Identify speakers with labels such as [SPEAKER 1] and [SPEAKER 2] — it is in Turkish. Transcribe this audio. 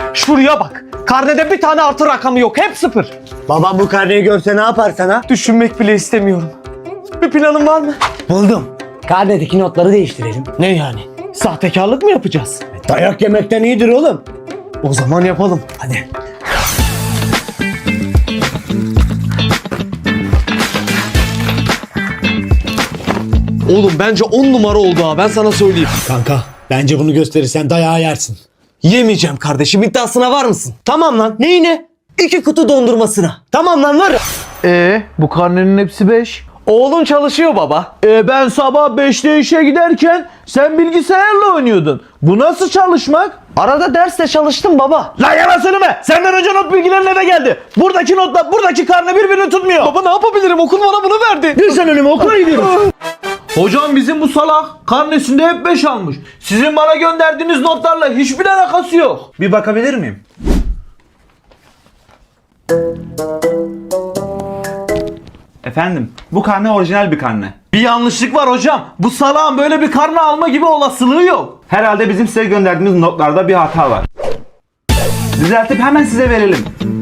[SPEAKER 1] Şuraya bak. Karnede bir tane artı rakamı yok. Hep sıfır.
[SPEAKER 2] Babam bu karneyi görse ne yapar sana?
[SPEAKER 1] Düşünmek bile istemiyorum. Bir planın var mı?
[SPEAKER 2] Buldum. Karnedeki notları değiştirelim.
[SPEAKER 1] Ne yani? Sahtekarlık mı yapacağız?
[SPEAKER 2] Dayak yemekten iyidir oğlum.
[SPEAKER 1] O zaman yapalım.
[SPEAKER 2] Hadi.
[SPEAKER 1] Oğlum bence 10 numara oldu ha. Ben sana söyleyeyim.
[SPEAKER 2] Kanka bence bunu gösterirsen dayağı yersin.
[SPEAKER 1] Yemeyeceğim kardeşim. İddiasına var mısın?
[SPEAKER 2] Tamam lan, neyine? 2 kutu dondurmasına. Tamam lan, var.
[SPEAKER 3] Bu karnenin hepsi 5.
[SPEAKER 1] Oğlum çalışıyor baba.
[SPEAKER 3] Ben sabah 5'te işe giderken sen bilgisayarla oynuyordun. Bu nasıl çalışmak?
[SPEAKER 1] Arada derste çalıştım baba.
[SPEAKER 3] Lan yalan söyleme. Senden önce not bilgilerin eve geldi. Buradaki notla buradaki karne birbirini tutmuyor.
[SPEAKER 1] Baba ne yapabilirim? Okul bana bunu verdi.
[SPEAKER 2] Dur sen önüme, okula gidiyorum.
[SPEAKER 3] Hocam bizim bu salak karnesinde hep 5 almış. Sizin bana gönderdiğiniz notlarla hiçbir alakası yok. Bir bakabilir miyim?
[SPEAKER 4] Efendim, bu karne orijinal bir karne.
[SPEAKER 3] Bir yanlışlık var hocam. Bu salağın böyle bir karne alma gibi olasılığı yok.
[SPEAKER 4] Herhalde bizim size gönderdiğimiz notlarda bir hata var. Düzeltip hemen size verelim.